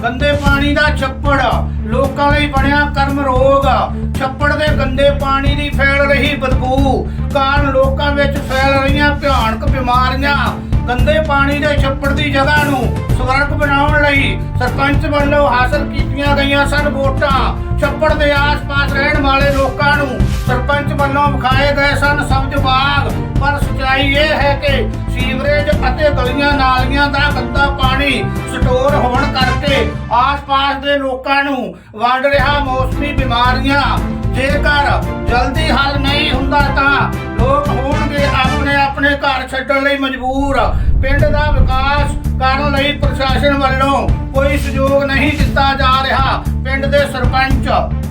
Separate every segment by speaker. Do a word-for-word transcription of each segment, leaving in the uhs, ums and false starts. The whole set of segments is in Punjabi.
Speaker 1: गंदे पानी दा छप्पड़ लोकां लई बनिया कर्म रोग। छप्पड़ दे गंदे पानी दी फैल रही बदबू कारण लोकां विच फैल रहीआं भयानक बीमारियां। गंदे पानी दे छप्पड़ दी जगह नूं स्वर्ग बनाउण लई सरपंच ਵੱਲੋਂ हासिल कीतीआं गईआं सन वोटां। छप्पड़ दे आस-पास रहण वाले लोकां नूं सरपंच ਵੱਲੋਂ ਵਿਖਾਏ गए सन सब्ज बाग। पर सच्चाई ये है कि सीवरेज ਅਤੇ ਗਲੀਆਂ ਨਾਲੀਆਂ ਦਾ ਗੰਦਾ ਪਾਣੀ ਸਟੋਰ ਹੋਣ ਕਰਕੇ ਆਸ-ਪਾਸ ਦੇ ਲੋਕਾਂ ਨੂੰ ਵੰਡ ਰਿਹਾ ਮੌਸਮੀ ਬਿਮਾਰੀਆਂ। ਜੇਕਰ ਜਲਦੀ ਹੱਲ ਨਹੀਂ ਹੁੰਦਾ ਤਾਂ ਲੋਕ ਹੋਣਗੇ ਆਪਣੇ ਆਪਣੇ ਘਰ ਛੱਡਣ ਲਈ ਮਜਬੂਰ। ਪਿੰਡ ਦਾ ਵਿਕਾਸ ਕਰਨ ਲਈ ਪ੍ਰਸ਼ਾਸਨ ਵੱਲੋਂ ਕੋਈ ਸਹਿਯੋਗ ਨਹੀਂ ਦਿੱਤਾ ਜਾ ਰਿਹਾ। ਪਿੰਡ ਦੇ ਸਰਪੰਚ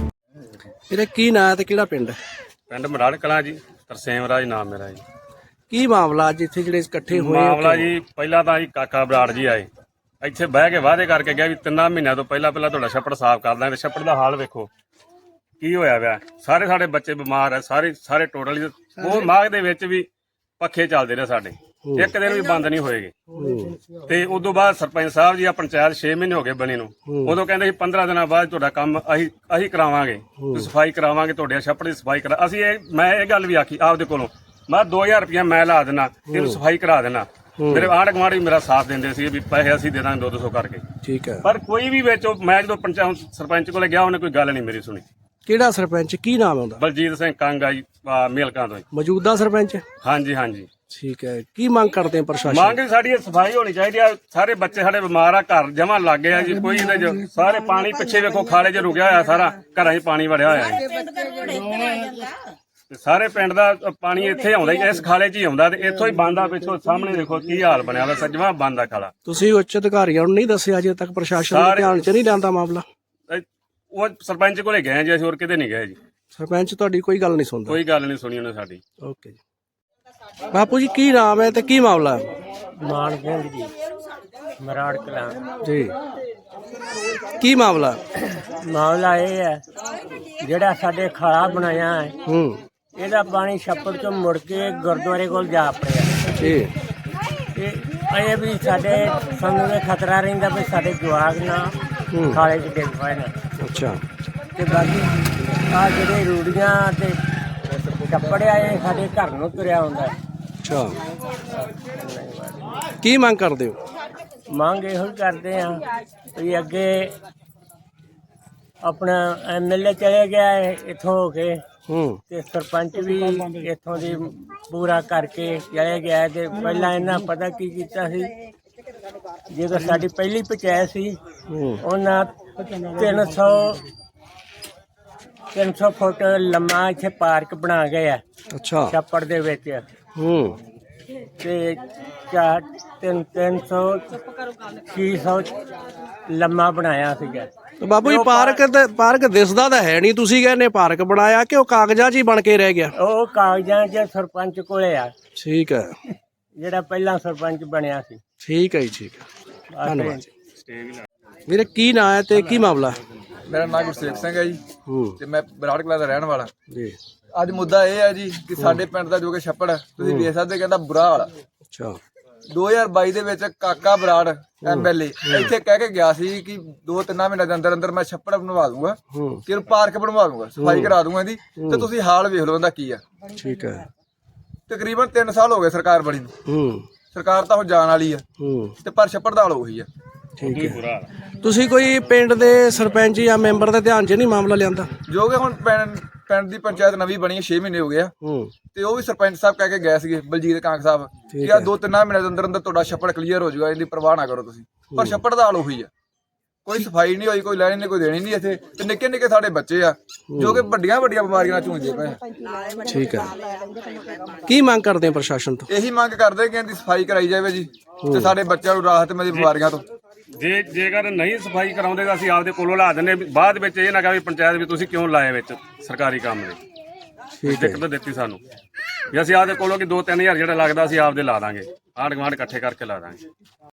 Speaker 2: ਇਹਦਾ ਕੀ ਨਾਂ ਹੈ ਤੇ ਕਿਹੜਾ ਪਿੰਡ ਹੈ?
Speaker 3: ਪਿੰਡ ਮਰਾੜ ਕਲਾਂ ਜੀ, ਤਰਸੇਮ ਰਾਜ ਨਾਮ ਮੇਰਾ ਜੀ।
Speaker 2: ਕੀ ਮਾਮਲਾ ਅੱਜ ਇੱਥੇ ਜਿਹੜੇ ਇਕੱਠੇ ਹੋਏ ਆ?
Speaker 3: ਮਾਮਲਾ ਜੀ ਪਹਿਲਾਂ ਤਾਂ ਜੀ ਕਾਕਾ ਬਰਾੜ ਜੀ ਆਏ ਇੱਥੇ ਬਹਿ ਕੇ ਵਾਅਦੇ ਕਰਕੇ ਗਿਆ ਵੀ ਤਿੰਨਾਂ ਮਹੀਨਿਆਂ ਤੋਂ ਪਹਿਲਾਂ ਪਹਿਲਾਂ ਤੁਹਾਡਾ ਛੱਪੜ ਸਾਫ਼ ਕਰ ਦਾਂਗੇ। ਛੱਪੜ ਦਾ ਹਾਲ ਵੇਖੋ ਕੀ ਹੋਇਆ ਪਿਆ। ਸਾਰੇ ਸਾਡੇ ਬੱਚੇ ਬਿਮਾਰ ਆ, ਸਾਰੇ ਸਾਰੇ ਟੋਟਲੀ। ਉਹ ਮਾਘ ਦੇ ਵਿੱਚ ਵੀ ਪੱਖੇ ਚੱਲਦੇ ਰਹੇ ਸਾਡੇ, ਇੱਕ ਦਿਨ ਵੀ ਬੰਦ ਨਹੀਂ ਹੋਏਗੇ। ਤੇ ਉਦੋਂ ਬਾਅਦ ਸਰਪੰਚ ਸਾਹਿਬ ਜੀ ਆ ਪੰਚਾਇਤ ਛੇ ਮਹੀਨੇ ਹੋ ਗਏ ਬਣੀ ਨੂੰ, ਉਦੋਂ ਕਹਿੰਦੇ ਸੀ ਪੰਦਰਾਂ ਦਿਨਾਂ ਬਾਅਦ ਤੁਹਾਡਾ ਕੰਮ ਅਸੀਂ ਅਸੀਂ ਕਰਾਵਾਂਗੇ, ਸਫਾਈ ਕਰਾਵਾਂਗੇ, ਤੁਹਾਡੇ ਛੱਪੜ ਦੀ ਸਫਾਈ ਕਰਾ। ਅਸੀਂ ਇਹ ਮੈਂ ਇਹ ਗੱਲ ਵੀ ਆਖੀ ਆਪਦੇ ਕੋਲੋਂ, ਮੈਂ ਦੋ ਹਜ਼ਾਰ ਰੁਪਇਆ ਮੈਂ ਲਾ ਦੇਣਾ, ਇਹਨੂੰ ਸਫਾਈ ਕਰਾ ਦੇਣਾ। ਮੇਰੇ ਆਂਢ ਗੁਆਂਢ ਵੀ ਮੇਰਾ ਸਾਥ ਦਿੰਦੇ ਸੀ ਵੀ ਪੈਸੇ ਅਸੀਂ ਦੇ ਦਾਂਗੇ ਦੋ ਦੋ ਸੌ ਕਰਕੇ।
Speaker 2: ਠੀਕ ਹੈ।
Speaker 3: ਪਰ ਕੋਈ ਵੀ ਵਿੱਚ ਮੈਂ ਜਦੋਂ ਪੰਚਾਇਤ ਸਰਪੰਚ ਕੋਲੇ ਗਿਆ ਉਹਨੇ ਕੋਈ ਗੱਲ ਨਹੀਂ ਮੇਰੀ ਸੁਣੀ।
Speaker 2: ਕਿਹੜਾ ਸਰਪੰਚ, ਕੀ ਨਾਮ ਹੈ ਉਹਦਾ?
Speaker 3: ਬਲਜੀਤ ਸਿੰਘ ਕੰਗ ਆ ਜੀ, ਮੇਲਕਾਂ ਤੋਂ।
Speaker 2: ਮੌਜੂਦਾ ਸਰਪੰਚ?
Speaker 3: ਹਾਂਜੀ ਹਾਂਜੀ।
Speaker 2: ਠੀਕ ਹੈ। ਕੀ ਮੰਗ ਕਰਦੇ ਆ ਪ੍ਰਸ਼ਾਸਨ?
Speaker 3: ਮੰਗ ਸਾਡੀ ਸਫਾਈ ਹੋਣੀ ਚਾਹੀਦੀ ਆ। ਸਾਰੇ ਬੱਚੇ ਸਾਡੇ ਬਿਮਾਰ ਆ, ਘਰ ਜਮਾ ਲੱਗ ਗਏ ਆ ਜੀ। ਕੋਈ ਇਹਦੇ ਚ ਸਾਰੇ ਪਾਣੀ ਪਿੱਛੇ ਵੇਖੋ ਖਾਲੇ ਚ ਰੁਕਿਆ ਹੋਇਆ, ਸਾਰਾ ਘਰਾਂ 'ਚ ਪਾਣੀ ਵੜਿਆ ਹੋਇਆ ਹੈ। ਤੇ ਸਾਰੇ ਪਿੰਡ ਦਾ ਪਾਣੀ ਇੱਥੇ ਆਉਂਦਾ, ਇਸ ਖਾਲੇ 'ਚ ਹੀ ਆਉਂਦਾ ਤੇ ਇੱਥੋਂ ਹੀ ਬੰਦ ਆ। ਪਿੱਛੋਂ ਸਾਹਮਣੇ ਦੇਖੋ ਕੀ ਹਾਲ ਬਣਿਆ ਹੋਇਆ, ਸੱਜਵਾ ਬੰਦ ਆ ਖਾਲਾ।
Speaker 2: ਤੁਸੀਂ ਉੱਚ ਅਧਿਕਾਰੀਆਂ ਨੂੰ ਨਹੀਂ ਦੱਸਿਆ ਅਜੇ ਤੱਕ? ਪ੍ਰਸ਼ਾਸਨ ਦੇ ਧਿਆਨ 'ਚ ਨਹੀਂ ਲਿਆਂਦਾ ਮਾਮਲਾ?
Speaker 3: ਉਹ ਸਰਪੰਚ ਕੋਲੇ ਗਏ ਜੀ, ਅਸੀਂ ਹੋਰ ਕਿਤੇ ਨਹੀਂ ਗਏ ਜੀ।
Speaker 2: ਸਰਪੰਚ ਤੁਹਾਡੀ ਕੋਈ ਗੱਲ ਨਹੀਂ ਸੁਣਦਾ?
Speaker 3: ਕੋਈ ਗੱਲ ਨਹੀਂ ਸੁਣੀ ਉਹਨੇ ਸਾਡੀ।
Speaker 2: ਓਕੇ ਜੀ। ਬਾਪੂ ਜੀ ਕੀ ਨਾਮ ਹੈ ਤੇ ਕੀ ਮਾਮਲਾ ਹੈ?
Speaker 4: ਮਾਨ ਸਿੰਘ ਜੀ, ਮਰਾੜ ਕਲਾਂ
Speaker 2: ਜੀ। ਕੀ ਮਾਮਲਾ?
Speaker 4: ਮਾਮਲਾ ਇਹ ਹੈ ਜਿਹੜਾ ਸਾਡੇ ਖਾਲਾ ਬਣਾਇਆ ਹੈ,
Speaker 2: ਹੂੰ,
Speaker 4: ਇਹਦਾ ਪਾਣੀ ਛੱਪੜ ਚੋਂ ਮੁੜ ਕੇ ਗੁਰਦੁਆਰੇ ਕੋਲ ਜਾ ਪੜਿਆ।
Speaker 2: ਜੀ।
Speaker 4: ਤੇ ਇਹ ਵੀ ਸਾਡੇ ਸਾਨੂੰ ਇਹ ਖਤਰਾ ਰਹਿੰਦਾ ਵੀ ਸਾਡੇ ਜਵਾਕ ਨਾ ਖਾਲੇ 'ਚ ਡਿੱਗ ਪਏ ਨਾ।
Speaker 2: ਅੱਛਾ।
Speaker 4: ਤੇ ਬਾਕੀ ਆ ਜਿਹੜੇ ਰੂੜੀਆਂ ਤੇ ਛੱਪੜਿਆ ਇਹ ਸਾਡੇ ਘਰ ਨੂੰ ਤੁਰਿਆ ਹੁੰਦਾ।
Speaker 2: ਅੱਛਾ। ਕੀ ਮੰਗ ਕਰਦੇ ਹੋ?
Speaker 4: ਮੰਗ ਇਹੋ ਹੀ ਕਰਦੇ ਆ ਵੀ ਅੱਗੇ ਆਪਣਾ ਐਮ ਐਲ ਏ ਚਲੇ ਗਿਆ ਹੈ ਇੱਥੋਂ ਹੋ ਕੇ,
Speaker 2: ਹੂੰ,
Speaker 4: ਤੇ ਸਰਪੰਚ ਵੀ ਇੱਥੋਂ ਦੀ ਪੂਰਾ ਕਰਕੇ ਚਲੇ ਗਿਆ। ਤੇ ਪਹਿਲਾਂ ਇਹਨਾਂ ਪਤਾ ਕੀ ਕੀਤਾ ਸੀ, ਜਦੋਂ ਸਾਡੀ ਪਹਿਲੀ ਪੰਚਾਇਤ ਸੀ ਉਹਨਾਂ ਤਿੰਨ ਸੌ ਤਿੰਨ ਸੌ ਫੁੱਟ ਲੰਮਾ ਇੱਥੇ ਪਾਰਕ ਬਣਾ ਗਏ ਆ। ਅੱਛਾ। ਛੱਪੜ ਦੇ ਵਿੱਚ।
Speaker 2: ਹੂੰ।
Speaker 4: ਤੇ ਚਾਰ ਤਿੰਨ ਤਿੰਨ ਸੌ ਛੇ ਸੌ ਲੰਮਾ ਬਣਾਇਆ ਸੀਗਾ।
Speaker 2: ਬਾਬੂ ਜੀ ਪਾਰਕ ਤੇ ਪਾਰਕ ਦਿਸਦਾ ਤਾਂ ਹੈ ਨਹੀਂ, ਤੁਸੀਂ ਕਹਿੰਦੇ ਪਾਰਕ ਬਣਾਇਆ ਕਿ ਉਹ ਕਾਗਜ਼ਾਂ 'ਚ ਹੀ ਬਣ ਕੇ ਰਹਿ ਗਿਆ?
Speaker 4: ਉਹ ਕਾਗਜ਼ਾਂ 'ਚ ਸਰਪੰਚ ਕੋਲੇ ਆ।
Speaker 2: ਠੀਕ ਹੈ।
Speaker 4: ਜਿਹੜਾ ਪਹਿਲਾਂ ਸਰਪੰਚ ਬਣਿਆ ਸੀ।
Speaker 2: ਠੀਕ ਹੈ ਜੀ, ਠੀਕ ਹੈ, ਧੰਨਵਾਦ ਜੀ। ਵੀਰੇ ਕੀ ਨਾਂ ਹੈ ਤੇ ਕੀ ਮਾਮਲਾ?
Speaker 5: ਮੇਰਾ ਨਾਮ ਗੁਰਸੇਵਕ ਸਿੰਘ ਹੈ ਜੀ,
Speaker 2: ਹੂੰ,
Speaker 5: ਤੇ ਮੈਂ ਬਰਾੜ ਕਲਾਂ ਦਾ ਰਹਿਣ ਵਾਲਾ
Speaker 2: ਜੀ।
Speaker 5: ਅੱਜ ਮੁੱਦਾ ਇਹ ਹੈ ਜੀ ਕਿ ਸਾਡੇ ਪਿੰਡ ਦਾ ਜੋ ਕਿ ਛੱਪੜ ਤੁਸੀਂ ਵੇਖ ਸਕਦੇ, ਕਹਿੰਦਾ ਬੁਰਾ ਹਾਲ।
Speaker 2: ਅੱਛਾ।
Speaker 5: ਦੋ ਹਜ਼ਾਰ ਬਾਈ ਦੇ ਵਿੱਚ ਕਾਕਾ ਬਰਾੜ ਐਮ ਐਲ ਏ ਇੱਥੇ ਕਹਿ ਕੇ ਗਿਆ ਸੀ ਕਿ ਦੋ ਤਿੰਨ ਮਹੀਨੇ ਦੇ ਅੰਦਰ ਅੰਦਰ ਮੈਂ ਛੱਪੜ ਬਣਵਾ ਦੂੰਗਾ, ਕਿ ਪਾਰਕ ਬਣਵਾ ਦੂੰਗਾ, ਸਫਾਈ ਕਰਾ ਦੂੰਗਾ ਇਹਦੀ, ਤੇ ਤੁਸੀਂ ਹਾਲ ਵੇਖ ਲਓ ਇਹਦਾ ਕੀ ਆ।
Speaker 2: ਠੀਕ ਹੈ।
Speaker 5: ਤਕਰੀਬਨ ਤਿੰਨ ਸਾਲ ਹੋ ਗਏ ਸਰਕਾਰ ਬਣੀ ਨੂੰ।
Speaker 2: ਹੂੰ।
Speaker 5: ਸਰਕਾਰ ਤਾਂ ਹੁਣ ਜਾਣ ਵਾਲੀ ਆ,
Speaker 2: ਹੂੰ,
Speaker 5: ਤੇ ਪਰ ਛੱਪੜ ਦਾ ਹਾਲ ਉਹੀ ਆ।
Speaker 2: ਠੀਕ ਹੈ। ਤੁਸੀਂ ਕੋਈ ਪਿੰਡ ਦੇ ਸਰਪੰਚ ਜਾਂ ਮੈਂਬਰ ਦੇ ਧਿਆਨ 'ਚ ਨਹੀਂ ਮਾਮਲਾ ਲਿਆਂਦਾ?
Speaker 5: ਜੋ ਕਿ ਹੁਣ ਪਿੰਡ ਪਿੰਡ ਦੀ ਪੰਚਾਇਤ ਨਵੀਂ ਬਣੀ ਹੈ, ਛੇ ਮਹੀਨੇ ਹੋ ਗਏ ਆ,
Speaker 2: ਹੂੰ,
Speaker 5: ਤੇ ਉਹ ਵੀ ਸਰਪੰਚ ਸਾਹਿਬ ਕਹਿ ਕੇ ਗਏ ਸੀਗੇ, ਬਲਜੀਤ ਕਾਂਗ ਸਾਹਿਬ, ਕਿ ਆ ਦੋ ਤਿੰਨ ਮਹੀਨੇ ਦੇ ਅੰਦਰ ਅੰਦਰ ਤੁਹਾਡਾ ਛੱਪੜ ਕਲੀਅਰ ਹੋ ਜਾਊਗਾ, ਇਹਦੀ ਪਰਵਾਹ ਨਾ ਕਰੋ ਤੁਸੀਂ। ਪਰ ਛੱਪੜ ਦਾ ਹਾਲ ਉਹੀ ਆ, ਕੋਈ ਸਫਾਈ ਨਹੀਂ ਹੋਈ, ਕੋਈ ਲੈਣੀ ਨਹੀਂ, ਕੋਈ ਦੇਣੀ ਨਹੀਂ ਇੱਥੇ। ਤੇ ਨਿੱਕੇ ਨਿੱਕੇ ਸਾਡੇ ਬੱਚੇ ਆ ਜੋ ਕਿ ਵੱਡੀਆਂ ਵੱਡੀਆਂ ਬਿਮਾਰੀਆਂ ਨਾਲ ਝੂੰਝਦੇ ਪਏ।
Speaker 2: ਠੀਕ ਹੈ। ਕੀ ਮੰਗ ਕਰਦੇ ਆ ਪ੍ਰਸ਼ਾਸਨ ਤੋਂ?
Speaker 5: ਇਹੀ ਮੰਗ ਕਰਦੇ ਕਿ ਇਹਦੀ ਸਫਾਈ ਕਰਾਈ ਜਾਵੇ ਜੀ, ਤੇ ਸਾਡੇ ਬੱਚਿਆਂ ਨੂੰ ਰਾਹਤ ਮਿਲੇ ਬਿਮਾਰੀਆਂ ਤੋਂ।
Speaker 3: ਜੇ ਜੇਕਰ ਨਹੀਂ ਸਫਾਈ ਕਰਾਉਂਦੇ ਤਾਂ ਅਸੀਂ ਆਪਦੇ ਕੋਲੋਂ ਲਾ ਦਿੰਦੇ, ਬਾਅਦ ਵਿੱਚ ਇਹ ਨਾ ਕਹੇ ਪੰਚਾਇਤ ਵੀ ਤੁਸੀਂ ਕਿਉਂ ਲਾਏ ਵਿੱਚ ਸਰਕਾਰੀ ਕੰਮ ਦੇ। ਦਿੱਕਤ ਦਿੱਤੀ ਸਾਨੂੰ ਵੀ ਅਸੀਂ ਆਪਦੇ ਕੋਲੋਂ ਕਿ ਦੋ ਤਿੰਨ ਹਜ਼ਾਰ ਜਿਹੜਾ ਲੱਗਦਾ ਅਸੀਂ ਆਪਦੇ ਲਾ ਦਾਂਗੇ, ਆਂਢ ਗੁਆਂਢ ਇਕੱਠੇ ਕਰਕੇ ਲਾ ਦਾਂਗੇ।